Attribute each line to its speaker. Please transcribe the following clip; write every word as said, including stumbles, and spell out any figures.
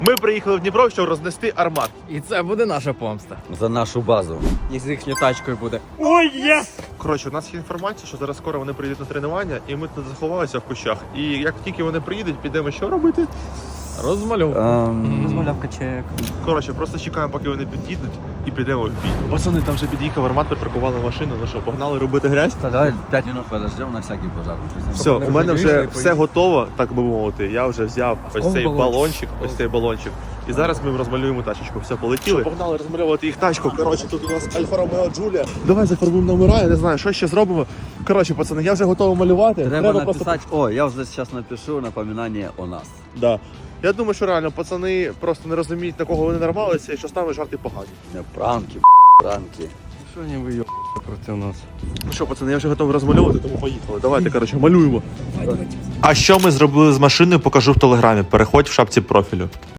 Speaker 1: Ми приїхали в Дніпро, щоб рознести Армат.
Speaker 2: І це буде наша помста.
Speaker 3: За нашу базу.
Speaker 2: І з їхньою тачкою буде.
Speaker 1: Ой, єс! Коротше, у нас є інформація, що зараз скоро вони приїдуть на тренування, і ми тут заховалися в кущах. І як тільки вони приїдуть, підемо що робити?
Speaker 2: Розмальовка.
Speaker 3: Ем...
Speaker 2: Розмальовка чек.
Speaker 1: Коротше, просто чекаємо, поки вони під'їдуть, і підемо в бій. Пацани, там вже під'їхав Армат, припаркували машину. Ну що, погнали робити грязь?
Speaker 3: Та давай п'ять минут подождем на всякий пожар.
Speaker 1: Все, у мене вже
Speaker 2: вирішили,
Speaker 1: все готово, так би мовити. Я вже взяв ось цей
Speaker 2: балончик?
Speaker 1: балончик, ось цей балончик. І зараз ми розмалюємо тачечку. Все, полетіли. Погнали розмальовувати їх тачку. Коротше, тут у нас Альфа Ромео Джулія. Давай зафарбуємо номера, я не знаю, що ще зробимо. Коротше, пацани, я вже готовий малювати.
Speaker 3: Треба
Speaker 1: просто-
Speaker 3: написати, о, я вже зараз напишу напоминання о нас.
Speaker 1: Да. Я думаю, що реально пацани просто не розуміють, на кого вони нарвалися і що стали жарти погані.
Speaker 3: Не, пранки, пранки.
Speaker 2: Що не ви проти нас?
Speaker 1: Ну що, пацани, я вже готовий розмальовувати, тому поїхали. Давайте, коротше, малюємо. А що ми зробили з машиною, покажу в телеграмі. Переходь в шапці профілю.